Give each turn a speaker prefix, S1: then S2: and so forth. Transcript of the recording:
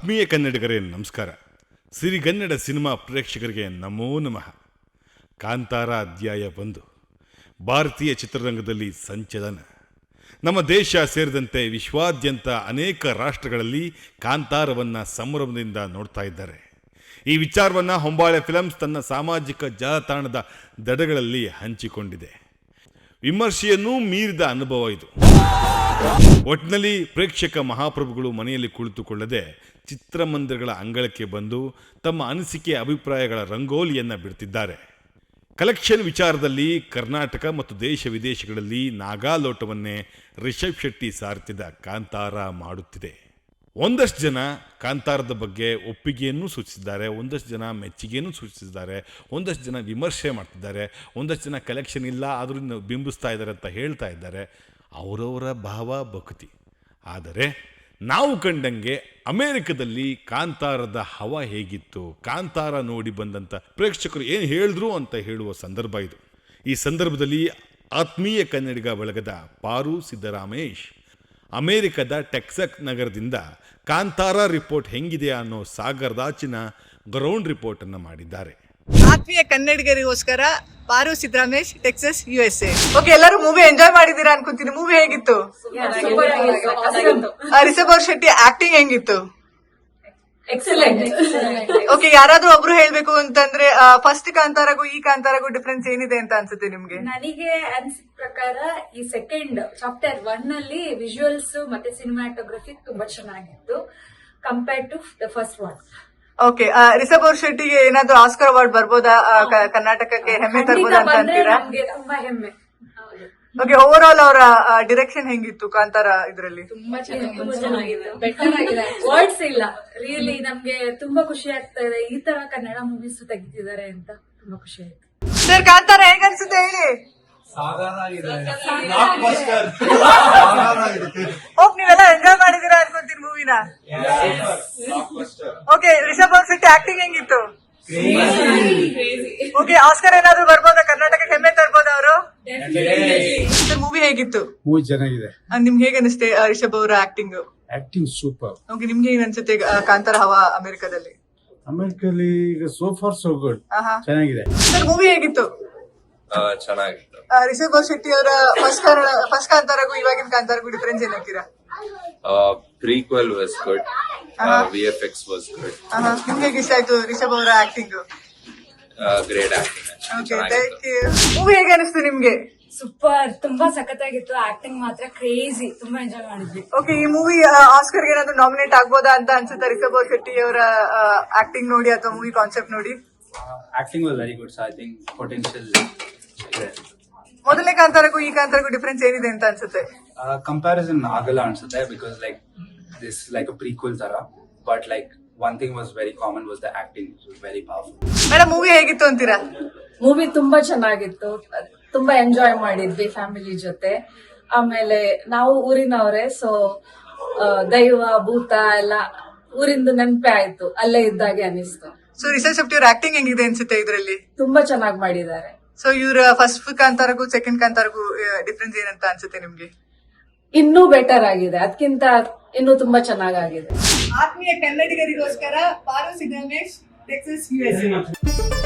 S1: ಆತ್ಮೀಯ ಕನ್ನಡಿಗರೇ ನಮಸ್ಕಾರ. ಸಿರಿಗನ್ನಡ ಸಿನಿಮಾ ಪ್ರೇಕ್ಷಕರಿಗೆ ನಮೋ ನಮಃ. ಕಾಂತಾರ ಅಧ್ಯಾಯ 1 ಭಾರತೀಯ ಚಿತ್ರರಂಗದಲ್ಲಿ ಸಂಚಲನ. ನಮ್ಮ ದೇಶ ಸೇರಿದಂತೆ ವಿಶ್ವಾದ್ಯಂತ ಅನೇಕ ರಾಷ್ಟ್ರಗಳಲ್ಲಿ ಕಾಂತಾರವನ್ನು ಸಂಭ್ರಮದಿಂದ ನೋಡ್ತಾ ಇದ್ದಾರೆ. ಈ ವಿಚಾರವನ್ನು ಹೊಂಬಾಳೆ ಫಿಲಮ್ಸ್ ತನ್ನ ಸಾಮಾಜಿಕ ಜಾಲತಾಣದ ದಡಗಳಲ್ಲಿ ಹಂಚಿಕೊಂಡಿದೆ. ವಿಮರ್ಶೆಯನ್ನೂ ಮೀರಿದ ಅನುಭವ ಇದು. ಒಟ್ಟಿನಲ್ಲಿ ಪ್ರೇಕ್ಷಕ ಮಹಾಪ್ರಭುಗಳು ಮನೆಯಲ್ಲಿ ಕುಳಿತುಕೊಳ್ಳದೆ ಚಿತ್ರಮಂದಿರಗಳ ಅಂಗಳಕ್ಕೆ ಬಂದು ತಮ್ಮ ಅನಿಸಿಕೆ ಅಭಿಪ್ರಾಯಗಳ ರಂಗೋಲಿಯನ್ನು ಬಿಡ್ತಿದ್ದಾರೆ. ಕಲೆಕ್ಷನ್ ವಿಚಾರದಲ್ಲಿ ಕರ್ನಾಟಕ ಮತ್ತು ದೇಶ ವಿದೇಶಗಳಲ್ಲಿ ನಾಗಾಲೋಟವನ್ನೇ ರಿಷಬ್ ಶೆಟ್ಟಿ ಸಾರ್ತಿದ ಕಾಂತಾರ ಮಾಡುತ್ತಿದೆ. ಒಂದಷ್ಟು ಜನ ಕಾಂತಾರದ ಬಗ್ಗೆ ಒಪ್ಪಿಗೆಯನ್ನು ಸೂಚಿಸಿದ್ದಾರೆ, ಒಂದಷ್ಟು ಜನ ಮೆಚ್ಚುಗೆಯನ್ನು ಸೂಚಿಸಿದ್ದಾರೆ, ಒಂದಷ್ಟು ಜನ ವಿಮರ್ಶೆ ಮಾಡ್ತಿದ್ದಾರೆ, ಒಂದಷ್ಟು ಜನ ಕಲೆಕ್ಷನ್ ಇಲ್ಲ ಆದರೂ ಬಿಂಬಿಸ್ತಾ ಇದ್ದಾರೆ ಅಂತ ಹೇಳ್ತಾ ಇದ್ದಾರೆ. ಅವರವರ ಭಾವ ಭಕ್ತಿ. ಆದರೆ ನಾವು ಕಂಡಂಗೆ ಅಮೇರಿಕದಲ್ಲಿ ಕಾಂತಾರದ ಹವ ಹೇಗಿತ್ತು, ಕಾಂತಾರ ನೋಡಿ ಬಂದಂಥ ಪ್ರೇಕ್ಷಕರು ಏನು ಹೇಳಿದ್ರು ಅಂತ ಹೇಳುವ ಸಂದರ್ಭ ಇದು. ಈ ಸಂದರ್ಭದಲ್ಲಿ ಆತ್ಮೀಯ ಕನ್ನಡಿಗ ಬಳಗದ ಪಾರು ಸಿದ್ದರಾಮೇಶ್ ಅಮೇರಿಕದ ಟೆಕ್ಸಸ್ ನಗರದಿಂದ ಕಾಂತಾರ ರಿಪೋರ್ಟ್ ಹೆಂಗಿದೆ ಅನ್ನೋ ಸಾಗರದಾಚಿನ ಗ್ರೌಂಡ್ ರಿಪೋರ್ಟ್ ಅನ್ನು ಮಾಡಿದ್ದಾರೆ.
S2: ಆತ್ಮೀಯ ಕನ್ನಡಿಗರಿಗೋಸ್ಕರ Paru Siddaramesh, Texas, USA. Okay, ಎಲ್ಲರೂ ಮೂವಿ ಎಂಜಾಯ್ ಮಾಡಿದೀರಾ ಅನ್ಕೊಂತೀನಿ. ಮೂವಿ ಹೇಗಿತ್ತು? ರಿಷಬ್ ಶೆಟ್ಟಿ ಆಕ್ಟಿಂಗ್ ಹೆಂಗಿತ್ತು?
S3: ಎಕ್ಸಲೆಂಟ್.
S2: ಓಕೆ, ಯಾರಾದ್ರೂ ಒಬ್ರು ಹೇಳ್ಬೇಕು ಅಂತಂದ್ರೆ ಫಸ್ಟ್ ಕಾಂತಾರಗೂ ಈ ಕಾಂತಾರಗೂ ಡಿಫ್ರೆನ್ಸ್ ಏನಿದೆ ಅಂತ ಅನ್ಸುತ್ತೆ ನಿಮ್ಗೆ?
S3: ನನಗೆ ಅನ್ಸಿದ ಪ್ರಕಾರ ಈ ಸೆಕೆಂಡ್ ಚಾಪ್ಟರ್ 1 ಅಲ್ಲಿ ವಿಜುವಲ್ಸ್ ಮತ್ತೆ ಸಿನಿಮಾಟೋಗ್ರಫಿ ತುಂಬಾ ಚೆನ್ನಾಗಿತ್ತು compared to the first one.
S2: Okay, Rishab ಶೆಟ್ಟಿಗೆ ಏನಾದ್ರು ಆಸ್ಕರ್ ಅವಾರ್ಡ್ ಬರ್ಬೋದಾ? ಕರ್ನಾಟಕಕ್ಕೆ ಹೆಮ್ಮೆ ತರ್ಬೋದಾ ಅಂತ ಅಂತೀರಾ?
S3: ನಮ್ಗೆ ತುಂಬಾ ಹೆಮ್ಮೆ.
S2: ಓಕೆ, ಓವರ್ ಆಲ್ ಅವರ ಡಿರೆಕ್ಷನ್ ಹೆಂಗಿತ್ತು ಕಾಂತಾರ ಇದ್ರಲ್ಲಿ?
S3: ತುಂಬಾ ಚೆನ್ನಾಗಿದೆ, ಬೆಟರ್ ಆಗಿದೆ. ವರ್ಡ್ಸ್ ಇಲ್ಲ, ರಿಯಲಿ ನಮ್ಗೆ ತುಂಬಾ ಖುಷಿ ಆಗ್ತಾ ಇದೆ. ಈ ತರ ಕನ್ನಡ ಮೂವೀಸ್ ತೆಗಿತಿದ್ದಾರೆ ಅಂತ ತುಂಬಾ ಖುಷಿ ಆಯ್ತು.
S2: ಸರ್, ಕಾಂತಾರ ಹೇಗನ್ಸುತ್ತೆ ಹೇಳಿ? ಹೋಪ್ ನೀವೆಲ್ಲ ಎಂಜಾಯ್ ಮಾಡಿದೀರಾ ಅನ್ಕೊಂತೀನಿ ಮೂವಿನ. ಓಕೆ, ರಿಷಬ್ ಶೆಟ್ಟಿ ಆಕ್ಟಿಂಗ್ ಹೆಂಗಿತ್ತು? ಓಕೆ, ಆಸ್ಕರ್ ಏನಾದ್ರು ಬರ್ಬೋದಾ? ಕರ್ನಾಟಕಕ್ಕೆ ಹೆಮ್ಮೆ ತರ್ಬೋದ ಅವರು? ಸರ್, ಮೂವಿ ಹೇಗಿತ್ತು?
S4: ಮೂವಿ ಚೆನ್ನಾಗಿದೆ.
S2: ನಿಮ್ಗೆ ಹೇಗೆ ಅನಿಸುತ್ತೆ ರಿಷಬ್ ಅವರ ಆಕ್ಟಿಂಗ್?
S4: Acting super.
S2: ಓಕೆ, ನಿಮ್ಗೆ ಏನ್ ಅನ್ಸುತ್ತೆ ಕಾಂತಾರ ಹವಾ ಅಮೆರಿಕದಲ್ಲಿ?
S4: ಅಮೆರಿಕಲ್ಲಿ ಈಗ ಸೋ ಫಾರ್ ಸೋ ಗುಡ್, ಚೆನ್ನಾಗಿದೆ.
S2: ಸರ್, ಮೂವಿ ಹೇಗಿತ್ತು?
S5: ಚೆನ್ನಾಗಿತ್ತು.
S2: ರಿಷಬ್ ಶೆಟ್ಟಿ ಅವರ ಫಸ್ಟ್ ಕಾಂತಾರಗೂ ಇವಾಗಿನ ಕಾಂತಾರಗೂ ಡಿಫರೆನ್ಸ್ ಏನ್ ಹಾಕ್ತೀರಾ?
S5: Prequel was good. VFX was good.
S2: ನಿಮ್ಗೆ ಹೇಗೆ ಇಷ್ಟ ಆಯ್ತು ರಿಷಬ್ ಅವರ acting?
S5: Great acting.
S2: Okay, thank you. Movie ಹೇಗೆ ಅನಿಸ್ತು ನಿಮ್ಗೆ?
S3: ಸೂಪರ್, ತುಂಬಾ ಸಖತ್ತಾಗಿತ್ತು. ಆಕ್ಟಿಂಗ್ ಮಾತ್ರ ಕ್ರೇಜಿ, ತುಂಬಾ ಎಂಜಾಯ್ ಮಾಡಿದ್ವಿ.
S2: ಓಕೆ, ಈ ಮೂವಿ ಆಸ್ಕರ್ಗೆ ಏನಾದ್ರು ನಾಮಿನೇಟ್ ಆಗ್ಬೋದಾ ಅಂತ ಅನ್ಸುತ್ತಾ ರಿಷಬ್ ಶೆಟ್ಟಿ ಅವರ ಆಕ್ಟಿಂಗ್ ನೋಡಿ ಅಥವಾ ಮೂವಿ ಕಾನ್ಸೆಪ್ಟ್ ನೋಡಿ?
S6: Acting was very good, so I think potential there.
S2: ಮೊದಲನೇ ಕಾಂತಾರಕ್ಕೂ ಈ ಕಾಂತಾರಕ್ಕೂ ಡಿಫರೆನ್ಸ್ ಏನಿದೆ ಅಂತ ಅನ್ಸುತ್ತೆ?
S6: Comparison ಆಗಲ್ಲ ಅನ್ಸುತ್ತೆ, because like this like a prequel ತರ, but like one thing was very common was the acting, which was very powerful.
S2: Madam, movie ಹೇಗಿತ್ತು ಅಂತೀರಾ?
S7: ಮೂವಿ ತುಂಬಾ ಚೆನ್ನಾಗಿತ್ತು, ತುಂಬಾ ಎಂಜಾಯ್ ಮಾಡಿದ್ವಿ ಫ್ಯಾಮಿಲಿ ಜೊತೆ. ಆಮೇಲೆ ನಾವು ಊರಿನವ್ರೆ, ಸೊ ದೈವ ಭೂತ ಎಲ್ಲ ಊರಿಂದು ನೆನಪೆ ಆಯ್ತು, ಅಲ್ಲೇ ಇದ್ದಾಗೆ ಅನಿಸ್ತು.
S2: ಸೊ ರಿಷಬ್ ಶೆಟ್ಟಿ ಅವ್ರ ಆಕ್ಟಿಂಗ್ ಹೆಂಗಿದೆ ಅನ್ಸುತ್ತೆ ಇದ್ರಲ್ಲಿ?
S7: ತುಂಬಾ ಚೆನ್ನಾಗಿ ಮಾಡಿದ್ದಾರೆ.
S2: ಸೊ ಇವ್ರ ಫಸ್ಟ್ ಕಾಂತಾರಗೂ ಸೆಕೆಂಡ್ ಕಾಂತಾರಗೂ ಡಿಫ್ರೆನ್ಸ್ ಏನಂತ ಅನ್ಸುತ್ತೆ ನಿಮ್ಗೆ?
S7: ಇನ್ನೂ ಬೆಟರ್ ಆಗಿದೆ, ಅದಕ್ಕಿಂತ ಇನ್ನೂ ತುಂಬಾ ಚೆನ್ನಾಗಿದೆ.
S2: ಆತ್ಮೀಯ ಕನ್ನಡಿಗರಿಗೋಸ್ಕರ ಪಾರು ಸಿದ್ದರಾಮೇಶ್, ಟೆಕ್ಸಸ್, USA.